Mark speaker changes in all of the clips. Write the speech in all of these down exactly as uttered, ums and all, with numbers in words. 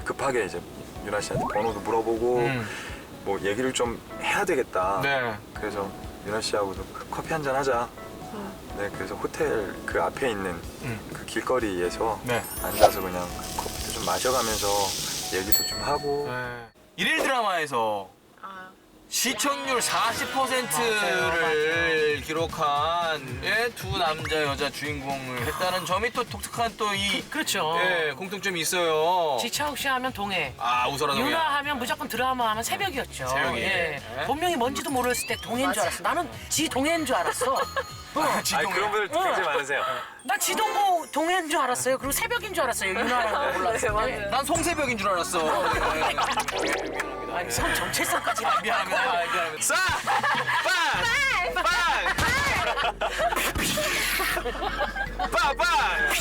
Speaker 1: 급하게 이제 유나 씨한테 번호도 물어보고
Speaker 2: 음.
Speaker 1: 뭐 얘기를 좀 해야 되겠다.
Speaker 2: 네.
Speaker 1: 그래서 유나 씨하고도 커피 한잔 하자. 네, 그래서 호텔 그 앞에 있는
Speaker 2: 음.
Speaker 1: 그 길거리에서
Speaker 2: 네.
Speaker 1: 앉아서 그냥 커피도 좀 마셔가면서 얘기도 좀 하고.
Speaker 2: 네. 일일 드라마에서
Speaker 3: 아,
Speaker 2: 시청률 사십 퍼센트를 기록한 예, 두 남자 여자 주인공을 했다는 점이 또 독특한 또 이
Speaker 4: 그렇죠.
Speaker 2: 예, 공통점이 있어요.
Speaker 4: 지차욱 씨 하면 동해.
Speaker 2: 아, 웃어라 동해.
Speaker 4: 유나 하면 무조건 드라마 하면 새벽이었죠.
Speaker 2: 새벽이.
Speaker 4: 예.
Speaker 2: 네.
Speaker 4: 본명이 뭔지도 모르겠을 때 동해인 줄 알았어. 나는 지 동해인 줄 알았어.
Speaker 1: 아니 그런 분들 굉장히 많으세요.
Speaker 4: 나 지동고 동해인 줄 알았어요. 그리고 새벽인 줄 알았어요. 유나라고 몰랐을
Speaker 3: 네,
Speaker 4: 때.
Speaker 3: 맞아요.
Speaker 2: 난 송새벽인 줄 알았어. 네.
Speaker 4: 아니 성 정체성까지
Speaker 2: 아, 미안합니다. 아, 미안합니다. 싸! 빵! 빵! 빵! 빵!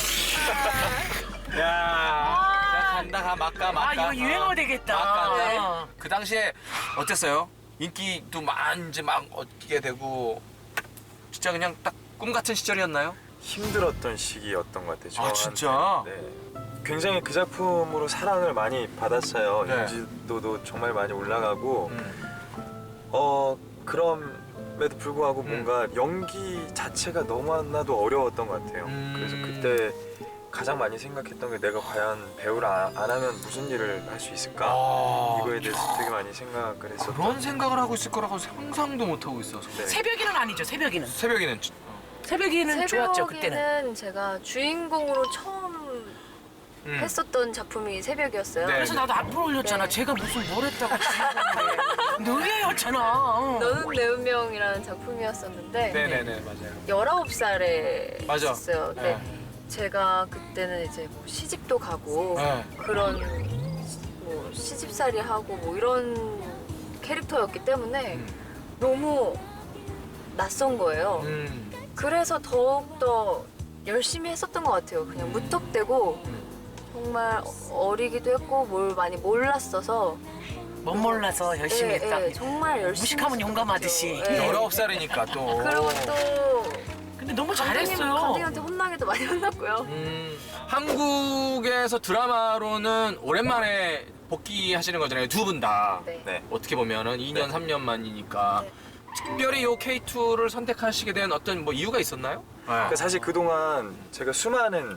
Speaker 2: 야, 자, 간다, 가, 막가, 막가.
Speaker 4: 아 이거 유행어 되겠다.
Speaker 2: 막가네.
Speaker 4: 어.
Speaker 2: 그 당시에 어땠어요? 인기도 막 이제 막 얻게 되고 진짜 그냥 딱 꿈 같은 시절이었나요?
Speaker 1: 힘들었던 시기였던 것 같아요.
Speaker 2: 아,
Speaker 1: 저한테.
Speaker 2: 진짜?
Speaker 1: 네. 굉장히 그 작품으로 사랑을 많이 받았어요.
Speaker 2: 네.
Speaker 1: 인지도도 정말 많이 올라가고
Speaker 2: 음.
Speaker 1: 어 그럼에도 불구하고
Speaker 2: 음.
Speaker 1: 뭔가 연기 자체가 너무나도 어려웠던 것 같아요.
Speaker 2: 음.
Speaker 1: 그래서 그때 가장 많이 생각했던 게 내가 과연 배우를 안, 안 하면 무슨 일을 할 수 있을까?
Speaker 2: 아,
Speaker 1: 이거에 대해서 되게 많이 생각을 했었던.
Speaker 2: 그런 생각을 하고 있을 거라고 상상도 못 하고 있어서.
Speaker 1: 네.
Speaker 4: 새벽이는 아니죠. 새벽이는.
Speaker 2: 새벽에는
Speaker 4: 새벽이는 좋았죠 그때는.
Speaker 3: 새벽에는 제가 주인공으로 처음
Speaker 2: 음.
Speaker 3: 했었던 작품이 새벽이었어요.
Speaker 2: 네.
Speaker 4: 그래서 나도 앞으로 올렸잖아.
Speaker 3: 네.
Speaker 4: 제가 무슨 뭘 했다고 주인공을. 너희였잖아. 어.
Speaker 3: 너는 내 운명이라는 작품이었었는데
Speaker 2: 네네네 맞아요.
Speaker 3: 열아홉 살에
Speaker 2: 맞아.
Speaker 3: 있었어요. 근데
Speaker 2: 네.
Speaker 3: 제가 그때는 이제 뭐 시집도 가고
Speaker 2: 네.
Speaker 3: 그런 뭐 시집살이 하고 뭐 이런 캐릭터였기 때문에
Speaker 2: 음.
Speaker 3: 너무 낯선 거예요.
Speaker 2: 음.
Speaker 3: 그래서 더욱더 열심히 했었던 것 같아요. 그냥 무턱대고 정말 어리기도 했고 뭘 많이 몰랐어서
Speaker 4: 못 몰라서 열심히
Speaker 3: 예,
Speaker 4: 했다.
Speaker 3: 예, 정말 열심히
Speaker 4: 무식하면
Speaker 3: 했었던
Speaker 4: 용감하듯이.
Speaker 3: 것 같아요. 예.
Speaker 2: 열아홉 살이니까 또.
Speaker 3: 그리고 또
Speaker 4: 근데 너무
Speaker 3: 감독님,
Speaker 4: 잘했어요.
Speaker 3: 감독님한테 혼나기도 많이 혼났고요.
Speaker 2: 음, 한국에서 드라마로는 오랜만에 복귀하시는 거잖아요. 두 분 다.
Speaker 3: 네.
Speaker 1: 네.
Speaker 2: 어떻게 보면은 이 년,
Speaker 1: 네.
Speaker 2: 삼 년 만이니까.
Speaker 3: 네.
Speaker 2: 특별히 요 케이 투를 선택하시게 된 어떤 뭐 이유가 있었나요?
Speaker 1: 그러니까 사실 그동안 제가 수많은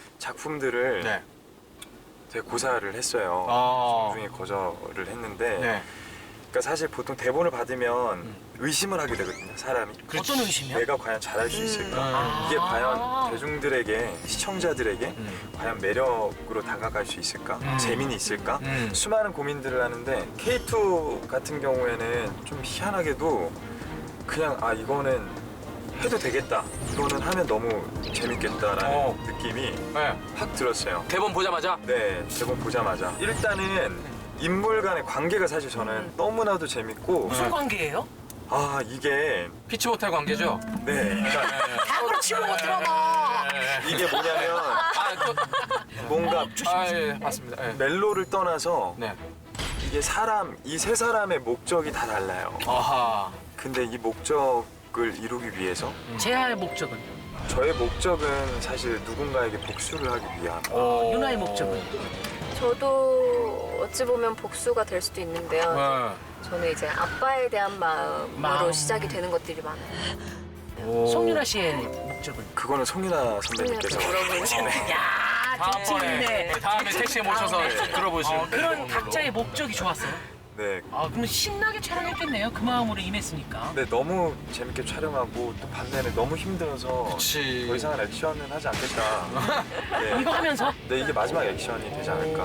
Speaker 1: 작품들을
Speaker 2: 네.
Speaker 1: 되게 고사를 했어요.
Speaker 2: 아.
Speaker 1: 중에 거절을 했는데
Speaker 2: 네.
Speaker 1: 그러니까 사실 보통 대본을 받으면
Speaker 2: 음.
Speaker 1: 의심을 하게 되거든요, 사람이.
Speaker 4: 어떤 의심이요?
Speaker 1: 내가 과연 잘할 수 있을까?
Speaker 2: 음.
Speaker 1: 이게
Speaker 4: 아.
Speaker 1: 과연 대중들에게, 시청자들에게
Speaker 2: 음.
Speaker 1: 과연 매력으로 다가갈 수 있을까?
Speaker 2: 음.
Speaker 1: 재미는 있을까?
Speaker 2: 음.
Speaker 1: 수많은 고민들을 하는데 케이 투 같은 경우에는 좀 희한하게도 그냥 아 이거는 해도 되겠다. 이거는 하면 너무 재밌겠다라는
Speaker 2: 어.
Speaker 1: 느낌이
Speaker 2: 네.
Speaker 1: 확 들었어요.
Speaker 2: 대본 보자마자.
Speaker 1: 네, 대본 보자마자 일단은 인물 간의 관계가 사실 저는 너무나도 재밌고
Speaker 4: 무슨 관계예요?
Speaker 1: 아 이게
Speaker 2: 피치 못할 관계죠?
Speaker 1: 네, 그러니까
Speaker 4: 다 그렇지 못 들어가.
Speaker 1: 이게 뭐냐면
Speaker 2: 아, 또,
Speaker 1: 뭔가
Speaker 2: 아, 예, 맞습니다. 예.
Speaker 1: 멜로를 떠나서
Speaker 2: 네.
Speaker 1: 이게 사람 이 세 사람의 목적이 다 달라요.
Speaker 2: 아하.
Speaker 1: 근데 이 목적을 이루기 위해서
Speaker 4: 제아의 목적은?
Speaker 1: 저의 목적은 사실 누군가에게 복수를 하기 위함.
Speaker 2: 오.
Speaker 4: 유나의 목적은?
Speaker 3: 저도 어찌 보면 복수가 될 수도 있는데요.
Speaker 2: 네.
Speaker 3: 저는 이제 아빠에 대한 마음으로
Speaker 4: 마음.
Speaker 3: 시작이 되는 것들이 많아요.
Speaker 2: 오.
Speaker 4: 송유나 씨의 목적은?
Speaker 1: 그거는 송윤아 선배님께서
Speaker 3: 물어보시네.
Speaker 4: 야,
Speaker 2: 다음번에
Speaker 4: 재밌네.
Speaker 2: 다음에 택시에 모셔서 들어보시면
Speaker 4: 어, 그런 각자의 목적이 좋았어요.
Speaker 1: 네.
Speaker 4: 아, 그러면 신나게 촬영했겠네요. 그 마음으로 임했으니까.
Speaker 1: 네, 너무 재밌게 촬영하고 또 반면에 너무 힘들어서
Speaker 2: 그치.
Speaker 1: 더 이상은 액션은 하지 않겠다. 네.
Speaker 4: 이거 하면서?
Speaker 1: 네, 이게 마지막 액션이 되지 않을까.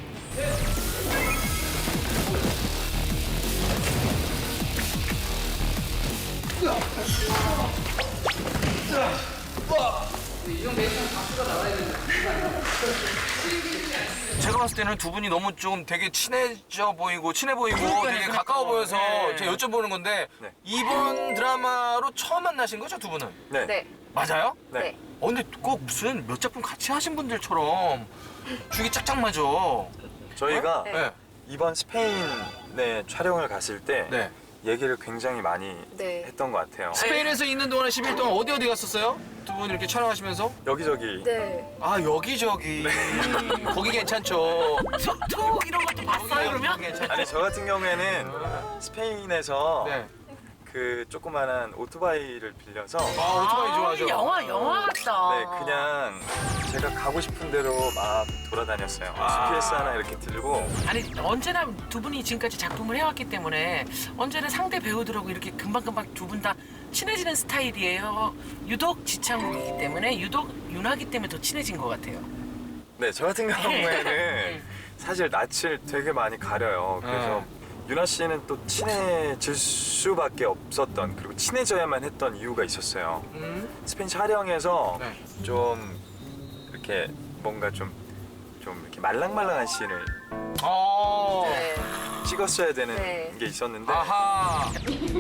Speaker 2: 제가 봤을 때는 두 분이 너무 좀 되게 친해져 보이고 친해 보이고 되게
Speaker 4: 그러니까요.
Speaker 2: 가까워 보여서
Speaker 4: 네.
Speaker 2: 제가 여쭤보는 건데
Speaker 1: 네.
Speaker 2: 이번 드라마로 처음 만나신 거죠, 두 분은?
Speaker 1: 네.
Speaker 3: 네.
Speaker 2: 맞아요?
Speaker 1: 네.
Speaker 3: 네.
Speaker 2: 어, 근데 꼭 무슨 몇 작품 같이 하신 분들처럼 죽이 짝짝 맞아.
Speaker 1: 저희가
Speaker 3: 네.
Speaker 2: 네.
Speaker 1: 이번 스페인에 촬영을 갔을 때
Speaker 2: 네.
Speaker 1: 얘기를 굉장히 많이
Speaker 3: 네.
Speaker 1: 했던 것 같아요.
Speaker 2: 스페인에서 있는 동안에 십 일 동안 어디 어디 갔었어요? 두 분 이렇게 촬영하시면서?
Speaker 1: 여기저기
Speaker 3: 네.
Speaker 2: 아 여기저기 거기 괜찮죠.
Speaker 4: 툭툭 이런 것도 봤어요 그러면?
Speaker 2: 괜찮죠.
Speaker 1: 아니 저 같은 경우에는 스페인에서
Speaker 2: 네.
Speaker 1: 그 조그만한 오토바이를 빌려서
Speaker 2: 아 오토바이 좋아하죠.
Speaker 4: 아, 영화 영화 같다.
Speaker 1: 네 그냥 제가 가고 싶은 대로 막 돌아다녔어요.
Speaker 2: 아.
Speaker 1: 지피에스 하나 이렇게 들고
Speaker 4: 아니 언제나 두 분이 지금까지 작품을 해왔기 때문에 언제나 상대 배우들하고 이렇게 금방금방 두 분 다 친해지는 스타일이에요. 유독 지창욱이기 때문에 유독 윤하기 때문에 더 친해진 것 같아요.
Speaker 1: 네 저 같은 경우에는 사실 낯을 되게 많이 가려요. 그래서 윤아 씨는 또 친해질 수밖에 없었던 그리고 친해져야만 했던 이유가 있었어요.
Speaker 2: 음?
Speaker 1: 스페인 촬영에서
Speaker 2: 네.
Speaker 1: 좀 이렇게 뭔가 좀 좀 이렇게 말랑말랑한 씬을
Speaker 2: 어.
Speaker 3: 네.
Speaker 1: 찍었어야 되는
Speaker 3: 네.
Speaker 1: 게 있었는데
Speaker 2: 아하.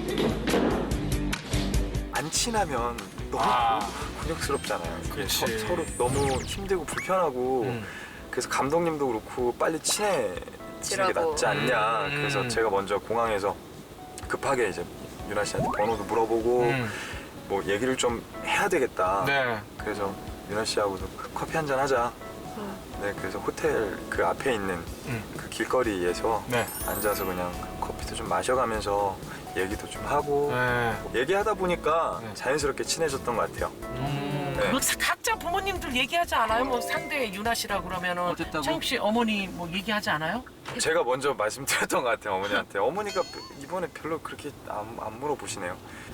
Speaker 1: 안 친하면 너무
Speaker 2: 아.
Speaker 1: 곤욕스럽잖아요. 그게
Speaker 2: 그치.
Speaker 1: 서, 서로 너무 힘들고 불편하고
Speaker 2: 음.
Speaker 1: 그래서 감독님도 그렇고 빨리 친해지는 게
Speaker 3: 지라고.
Speaker 1: 낫지 않냐.
Speaker 2: 음.
Speaker 1: 그래서 제가 먼저 공항에서 급하게 이제 윤아 씨한테 번호도 물어보고
Speaker 2: 음.
Speaker 1: 뭐 얘기를 좀 해야 되겠다.
Speaker 2: 네.
Speaker 1: 그래서 윤아 씨하고도 커피 한잔 하자.
Speaker 3: 음.
Speaker 1: 네, 그래서 호텔 그 앞에 있는
Speaker 2: 음.
Speaker 1: 그 길거리에서
Speaker 2: 네.
Speaker 1: 앉아서 그냥 커피도 좀 마셔가면서 얘기도 좀 하고
Speaker 2: 네.
Speaker 1: 얘기하다 보니까
Speaker 2: 네.
Speaker 1: 자연스럽게 친해졌던 것 같아요.
Speaker 2: 음.
Speaker 1: 네.
Speaker 4: 그 각자 부모님들 얘기하지 않아요? 뭐 상대 윤아 씨라 그러면은
Speaker 2: 어쨌다고?
Speaker 4: 창욱 씨 어머니 뭐 얘기하지 않아요?
Speaker 1: 제가 먼저 말씀드렸던 것 같아요, 어머니한테. 어머니가 이번에 별로 그렇게 안, 안 물어보시네요.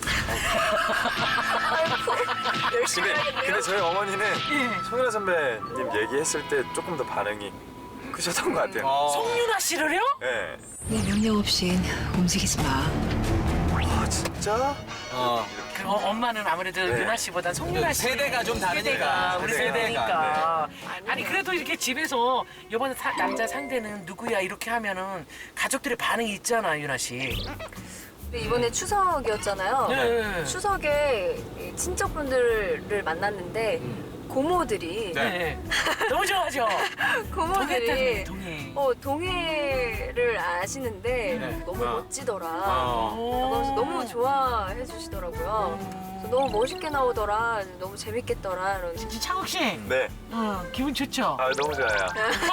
Speaker 3: 열심히
Speaker 1: 근데,
Speaker 3: 하겠네요.
Speaker 1: 근데 저희 어머니는
Speaker 4: 예.
Speaker 1: 송윤아 선배님 얘기했을 때 조금 더 반응이 크셨던 것 같아요.
Speaker 2: 어.
Speaker 4: 송윤아 씨를요?
Speaker 1: 네.
Speaker 5: 내 명령 없인 움직이지 마.
Speaker 1: 아, 진짜?
Speaker 2: 어.
Speaker 4: 그 어, 엄마는 아무래도
Speaker 1: 네.
Speaker 4: 윤아 씨보다 송윤아 씨
Speaker 2: 세대가 좀 다르니까.
Speaker 4: 세대가 우리
Speaker 1: 세대가.
Speaker 4: 세대니까
Speaker 3: 네.
Speaker 4: 아니 그래도 이렇게 집에서 이번에 사- 남자 상대는 누구야 이렇게 하면은 가족들의 반응이 있잖아 윤아 씨.
Speaker 3: 근데 이번에 추석이었잖아요.
Speaker 4: 네.
Speaker 3: 추석에 이 친척분들을 만났는데 고모들이
Speaker 2: 네.
Speaker 4: 네. 너무 좋아하죠. 동해 때문에
Speaker 3: 고모들이
Speaker 4: 동해.
Speaker 3: 어, 동해를 아시는데
Speaker 2: 네.
Speaker 3: 너무
Speaker 2: 어.
Speaker 3: 멋지더라.
Speaker 2: 어.
Speaker 3: 그래서 너무 좋아해 주시더라고요. 그래서 너무 멋있게 나오더라. 너무 재밌겠더라. 이러면서.
Speaker 4: 진짜 창욱 씨,
Speaker 1: 네.
Speaker 4: 어, 기분 좋죠?
Speaker 1: 아, 너무 좋아요.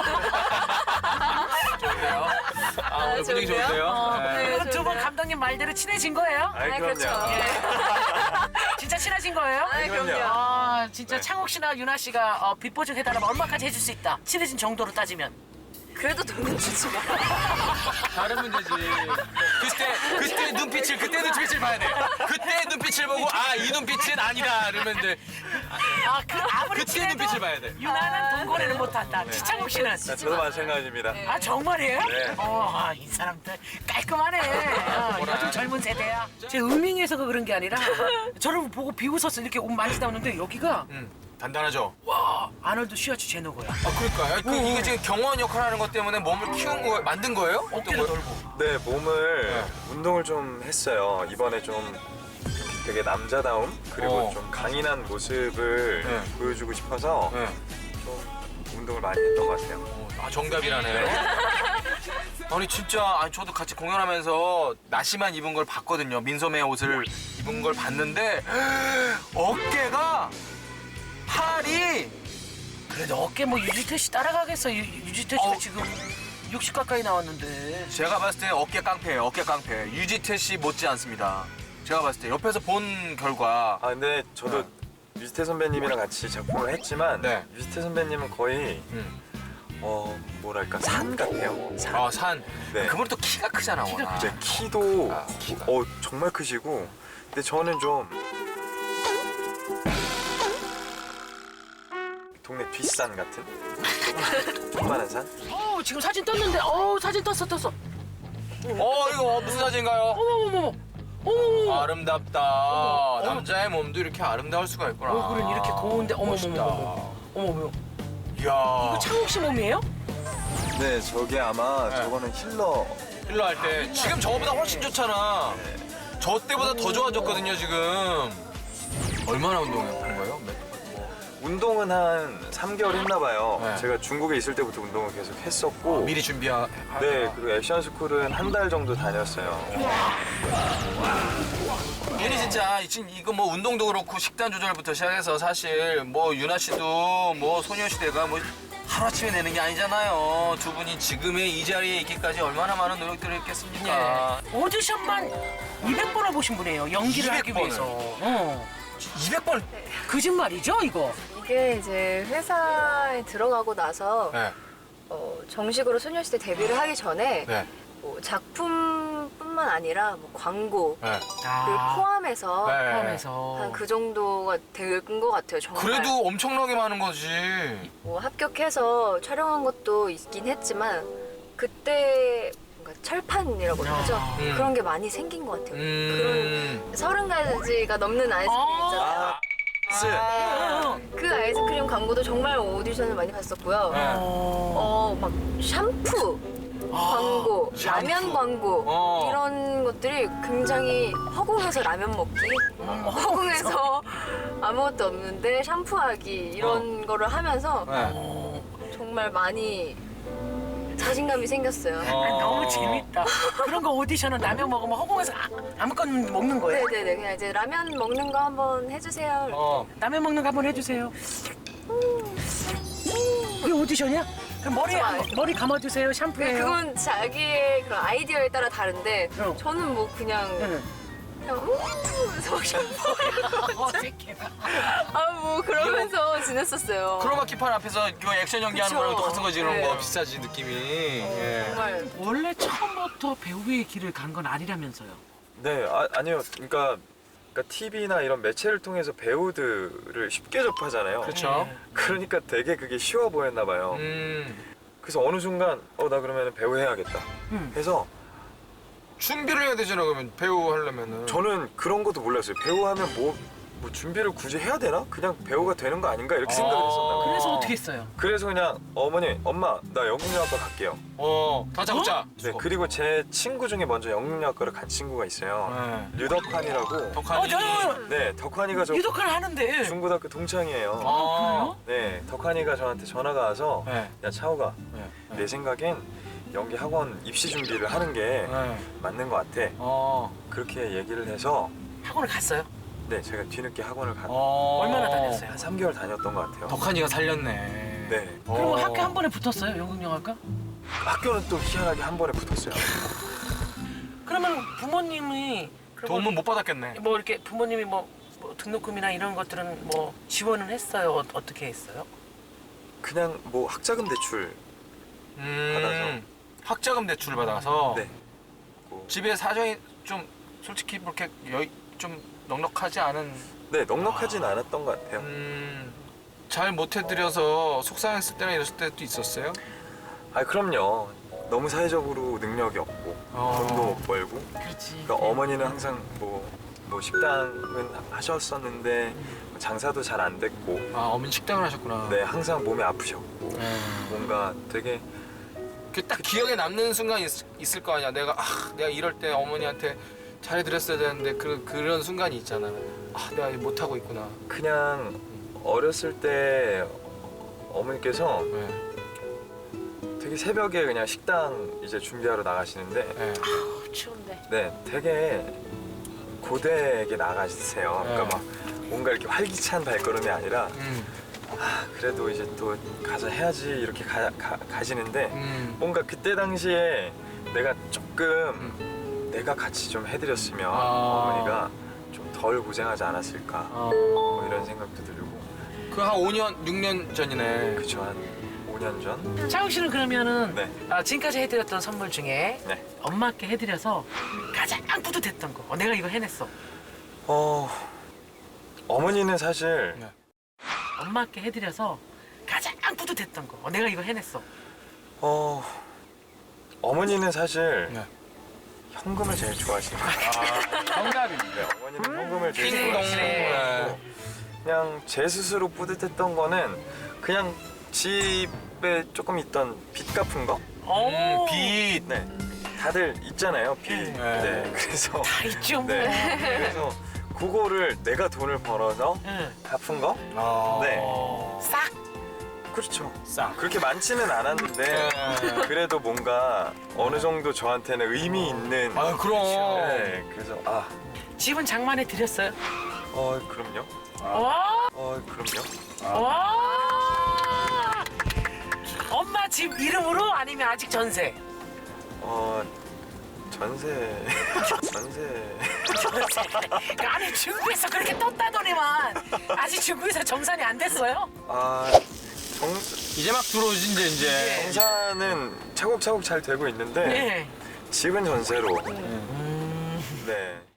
Speaker 2: 좋은데요? 아 오늘 분위기
Speaker 3: 좋은데요?
Speaker 2: 좋은데요?
Speaker 3: 어,
Speaker 2: 네.
Speaker 3: 네.
Speaker 4: 그럼 두 분 감독님 말대로 친해진 거예요?
Speaker 1: 아이,
Speaker 3: 아,
Speaker 1: 그럼요.
Speaker 3: 그렇죠.
Speaker 4: 진짜 친해진 거예요?
Speaker 3: 아,
Speaker 1: 그럼요.
Speaker 3: 그럼요.
Speaker 4: 아 진짜
Speaker 1: 네.
Speaker 4: 창욱 씨나 윤아 씨가 어, 빚보증 해달라면 얼마까지 해줄 수 있다? 친해진 정도로 따지면.
Speaker 3: 그래도 돈은 주지 마.
Speaker 2: 다른 문제지. 그때 그때 눈빛을 그때 눈빛을 봐야 돼. 그때 눈빛을 보고 아 이 눈빛은 아니다 이러면 돼.
Speaker 4: 아, 그 아무리
Speaker 2: 그때
Speaker 4: 친해도
Speaker 2: 눈빛을 봐야 돼.
Speaker 4: 유나는 돈 거래를 못한다. 지창욱 씨는.
Speaker 1: 아, 저도 마찬가지입니다.
Speaker 4: 아 정말이에요?
Speaker 1: 네.
Speaker 4: 어, 아, 이 사람들 깔끔하네. 어, 요즘 젊은 세대야. 제 음흉해서가 그런 게 아니라 저를 보고 비웃어서 이렇게 옷 만지다 오는데 여기가
Speaker 2: 음 단단하죠.
Speaker 4: 와 아놀드 슈아츠 제노거야.
Speaker 2: 아 그러니까 그 이게 지금 경호원 역할을 하는 것 때문에 몸을 키운 거 만든 거예요?
Speaker 4: 어깨도
Speaker 2: 어떤 거예요?
Speaker 4: 넓고.
Speaker 1: 네, 몸을
Speaker 2: 네.
Speaker 1: 운동을 좀 했어요. 이번에 좀 되게 남자다움 그리고
Speaker 2: 어.
Speaker 1: 좀 강인한 모습을
Speaker 2: 네.
Speaker 1: 보여주고 싶어서
Speaker 2: 네.
Speaker 1: 좀 운동을 많이 했던 것 같아요.
Speaker 2: 아 정답이라네요. 아니 진짜 아니 저도 같이 공연하면서 나시만 입은 걸 봤거든요. 민소매 옷을 입은 걸 봤는데 어깨가 팔이
Speaker 4: 그래도 어깨 뭐 유지태 씨 따라가겠어. 유, 유지태 씨가
Speaker 2: 어우.
Speaker 4: 지금 육십 가까이 나왔는데.
Speaker 2: 제가 봤을 때 어깨 깡패예요. 어깨 깡패. 유지태 씨 못지 않습니다. 제가 봤을 때 옆에서 본 결과
Speaker 1: 아 근데 저도 유지태 선배님이랑 같이 작품을 했지만
Speaker 2: 네.
Speaker 1: 유지태 선배님은 거의
Speaker 2: 음.
Speaker 1: 어 뭐랄까 산 같아요. 산.
Speaker 2: 아 산.
Speaker 1: 네.
Speaker 2: 그분 또 키가 크잖아.
Speaker 4: 키가
Speaker 2: 워낙.
Speaker 1: 이제 키도
Speaker 2: 아, 키가.
Speaker 1: 어 정말 크시고 근데 저는 좀 동네 뒷산 같은 조그만한 산?
Speaker 4: 어 지금 사진 떴는데 어 사진 떴어 떴어.
Speaker 2: 어 이거 무슨 사진인가요?
Speaker 4: 어머머머. 어머머머.
Speaker 2: 아름답다. 남자의 몸도 이렇게 아름다울 수가 있구나.
Speaker 4: 얼굴은 이렇게 고운데
Speaker 2: 멋있다.
Speaker 4: 어머머머. 어머머.
Speaker 2: 이야.
Speaker 4: 이거 창욱 씨 몸이에요?
Speaker 1: 네 저게 아마
Speaker 2: 네.
Speaker 1: 저거는 힐러
Speaker 2: 힐러 할 때 지금 저거보다 훨씬 좋잖아. 저 때보다 더 좋아졌거든요 지금. 얼마나 운동한 거예요? 몇- 뭐.
Speaker 1: 운동은 한 삼 개월 했나 봐요.
Speaker 2: 네.
Speaker 1: 제가 중국에 있을 때부터 운동을 계속 했었고
Speaker 2: 미리 준비하.
Speaker 1: 네, 그리고 액션 스쿨은 한 달 정도 다녔어요.
Speaker 2: 윤이 진짜 지금 이거 뭐 운동도 그렇고 식단 조절부터 시작해서 사실 뭐 유나 씨도 뭐 소녀시대가 뭐 하루아침에 내는 게 아니잖아요. 두 분이 지금의 이 자리에 있기까지 얼마나 많은 노력들을 했겠습니까?
Speaker 4: 네. 오디션만 이백 번을 보신 분이에요. 연기를 하기
Speaker 2: 이백 번을?
Speaker 4: 위해서. 어.
Speaker 2: 이백 번.
Speaker 4: 거짓말이죠, 이거?
Speaker 3: 이게 이제 회사에 들어가고 나서
Speaker 2: 네.
Speaker 3: 어, 정식으로 소녀시대 데뷔를 하기 전에
Speaker 2: 네.
Speaker 3: 뭐 작품뿐만 아니라 뭐 광고
Speaker 2: 네.
Speaker 3: 를 포함해서
Speaker 2: 네.
Speaker 4: 포함해서.
Speaker 3: 한 그 정도가 된 것 같아요. 정말.
Speaker 2: 그래도 엄청나게 많은 거지.
Speaker 3: 뭐 합격해서 촬영한 것도 있긴 했지만 그때 뭔가 철판이라고 하죠.
Speaker 2: 음.
Speaker 3: 그런 게 많이 생긴 것 같아요.
Speaker 2: 음.
Speaker 3: 그런 서른 가지가 넘는 아이스크림 있잖아요.
Speaker 1: 아, 스.
Speaker 3: 그 아이스크림 광고도 정말 오디션을 많이 봤었고요.
Speaker 2: 네.
Speaker 3: 어, 막 샴푸 광고,
Speaker 2: 샴푸.
Speaker 3: 라면 광고
Speaker 2: 어.
Speaker 3: 이런 것들이 굉장히 허공에서 라면 먹기, 허공에서 아무것도 없는데 샴푸하기 이런 거를 하면서
Speaker 2: 네.
Speaker 3: 정말 많이 자신감이 생겼어요.
Speaker 2: 어.
Speaker 4: 아, 너무 재밌다. 그런 거 오디션은 라면 먹으면 허공에서 아, 아무거나 먹는 거예요?
Speaker 3: 네네네, 그냥 이제 라면 먹는 거 한번 해주세요.
Speaker 2: 어.
Speaker 4: 라면 먹는 거 한번 해주세요. 그게 오디션이야? 그럼 머리
Speaker 3: 좋아요.
Speaker 4: 한- 머리 감아주세요.
Speaker 3: 그-
Speaker 4: 샴푸예요.
Speaker 3: 그건 자기의 그런 아이디어에 따라 다른데
Speaker 4: 어.
Speaker 3: 저는 뭐 그냥
Speaker 4: 응.
Speaker 3: 그냥 음 하면서 샴푸
Speaker 4: 어색해라.
Speaker 3: 아뭐 그러면서 지냈었어요.
Speaker 2: 크로마키판 앞에서 그 액션 연기하는
Speaker 3: 그쵸.
Speaker 2: 거랑 똑같은 거지 그런
Speaker 3: 네.
Speaker 2: 거 비슷하지 느낌이. 예.
Speaker 3: 정말
Speaker 4: 원래 처음부터 배우의 길을 간 건 아니라면서요?
Speaker 1: 네, 아, 아니요. 그러니까 그러니까 티비나 이런 매체를 통해서 배우들을 쉽게 접하잖아요.
Speaker 2: 그렇죠.
Speaker 1: 그러니까 되게 그게 쉬워 보였나 봐요.
Speaker 2: 음.
Speaker 1: 그래서 어느 순간 어 나 그러면 배우 해야겠다
Speaker 4: 음.
Speaker 1: 해서
Speaker 2: 준비를 해야 되잖아 그러면 배우 하려면은.
Speaker 1: 저는 그런 것도 몰랐어요. 배우 하면 뭐, 뭐 준비를 굳이 해야 되나? 그냥 배우가 되는 거 아닌가? 이렇게 생각을 했었나 봐요.
Speaker 4: 그래서 어떻게 했어요?
Speaker 1: 그래서 그냥 어머니, 엄마 나 영국영화과 갈게요.
Speaker 2: 어. 다짜고짜.
Speaker 1: 네, 그리고 제 친구 중에 먼저 영국영화과를 간 친구가 있어요.
Speaker 2: 네.
Speaker 1: 류덕환이라고.
Speaker 2: 덕한이.
Speaker 4: 어, 저는
Speaker 1: 네, 덕환이가 저
Speaker 4: 유독을 하는데.
Speaker 1: 중고등학교 동창이에요.
Speaker 2: 아,
Speaker 1: 네, 덕환이가 저한테 전화가 와서
Speaker 2: 네.
Speaker 1: 야 차호가
Speaker 2: 네.
Speaker 1: 내 생각엔 연기 학원 입시 준비를 하는 게
Speaker 2: 네.
Speaker 1: 맞는 것 같아.
Speaker 2: 어.
Speaker 1: 그렇게 얘기를 해서
Speaker 4: 학원을 갔어요?
Speaker 1: 네, 제가 뒤늦게 학원을 간
Speaker 2: 어.
Speaker 4: 얼마나 다녔어요?
Speaker 1: 한 삼 개월 다녔던 것 같아요.
Speaker 2: 덕한이가 살렸네.
Speaker 1: 네.
Speaker 4: 그리고
Speaker 2: 어.
Speaker 4: 학교 한 번에 붙었어요? 영국영화과?
Speaker 1: 학교는 또 희한하게 한 번에 붙었어요.
Speaker 4: 그러면 부모님이 그러면
Speaker 2: 도움은 못 받았겠네.
Speaker 4: 뭐 이렇게 부모님이 뭐, 뭐 등록금이나 이런 것들은 뭐 지원을 했어요? 어, 어떻게 했어요?
Speaker 1: 그냥 뭐 학자금 대출.
Speaker 2: 음.
Speaker 1: 받아서.
Speaker 2: 학자금 대출 받아서.
Speaker 1: 네. 뭐,
Speaker 2: 집에 사정이 좀 솔직히 그렇게 여, 좀 넉넉하지 않은.
Speaker 1: 네, 넉넉하진 않았던 것 같아요.
Speaker 2: 음. 잘 못해드려서 속상했을 때나 이랬을 때도 있었어요?
Speaker 1: 아, 그럼요. 너무 사회적으로 능력이 없고
Speaker 2: 어.
Speaker 1: 돈도 못 벌고.
Speaker 4: 그렇지.
Speaker 1: 그러니까 어머니는 항상 뭐, 뭐 식당은 하셨었는데 장사도 잘 안 됐고.
Speaker 2: 아 어머니 식당을 하셨구나.
Speaker 1: 네, 항상 몸이 아프셨고.
Speaker 2: 네.
Speaker 1: 뭔가 되게
Speaker 2: 그딱 기억에 남는 순간 있, 있을 거 아니야. 내가 아 내가 이럴 때 어머니한테 잘해드렸어야 되는데 그 그런 순간이 있잖아. 아 내가 못 하고 있구나.
Speaker 1: 그냥 어렸을 때 어머니께서
Speaker 2: 네.
Speaker 1: 되게 새벽에 그냥 식당 이제 준비하러 나가시는데
Speaker 2: 네.
Speaker 4: 어, 추운데.
Speaker 1: 네, 되게 고되게 나가시세요.
Speaker 2: 네.
Speaker 1: 그러니까 막 뭔가 이렇게 활기찬 발걸음이 아니라
Speaker 2: 음.
Speaker 1: 아, 그래도 이제 또 가서 해야지 이렇게 가, 가, 가시는데
Speaker 2: 음.
Speaker 1: 뭔가 그때 당시에 내가 조금 내가 같이 좀 해드렸으면
Speaker 2: 아.
Speaker 1: 어머니가 좀 덜 고생하지 않았을까
Speaker 2: 어.
Speaker 1: 뭐 이런 생각도 들고.
Speaker 2: 그 한 오 년, 육 년 전이네.
Speaker 1: 그쵸, 한 오 년 전?
Speaker 4: 차욱 씨는 그러면은
Speaker 1: 네.
Speaker 4: 아, 지금까지 해드렸던 선물 중에
Speaker 1: 네.
Speaker 4: 엄마께 해드려서 가장 뿌듯했던 거. 어, 내가 이거 해냈어.
Speaker 1: 어, 어머니는 사실
Speaker 2: 네.
Speaker 4: 엄마께 해드려서 가장 뿌듯했던 거. 어, 내가 이거 해냈어.
Speaker 1: 어, 어머니는 사실
Speaker 2: 네.
Speaker 1: 현금을 제일 좋아하시는 것 같아요.
Speaker 2: 정답입니다.
Speaker 1: 네, 어머니는 현금을 제일
Speaker 2: 띵동.
Speaker 1: 좋아하시는
Speaker 2: 네.
Speaker 1: 거고 그냥 제 스스로 뿌듯했던 거는 그냥 집에 조금 있던 빚 갚은 거?
Speaker 4: 오,
Speaker 2: 음, 빛.
Speaker 1: 네. 다들 있잖아요, 빚.
Speaker 2: 네.
Speaker 1: 네. 그래서
Speaker 4: 다 있죠 뭐.
Speaker 1: 네. 그래서 그거를 내가 돈을 벌어서
Speaker 4: 응.
Speaker 1: 갚은 거?
Speaker 2: 아.
Speaker 1: 네.
Speaker 4: 싹.
Speaker 1: 그렇죠.
Speaker 2: 싹.
Speaker 1: 그렇게 많지는 않았는데 그래도 뭔가 어느 정도 저한테는 의미 있는.
Speaker 2: 아 그럼.
Speaker 1: 네, 그래서 아,
Speaker 4: 집은 장만해 드렸어요.
Speaker 1: 어 그럼요.
Speaker 4: 와.
Speaker 1: 어 그럼요.
Speaker 4: 와. 엄마 집 이름으로 아니면 아직 전세?
Speaker 1: 어 전세 전세.
Speaker 4: 아니 중국에서 그렇게 떴다더니만 아직 중국에서 정산이 안 됐어요?
Speaker 1: 아 정,
Speaker 2: 이제 막 들어오지 이제 이제.
Speaker 1: 정산은 차곡차곡 잘 되고 있는데
Speaker 4: 네.
Speaker 1: 집은 전세로. 네.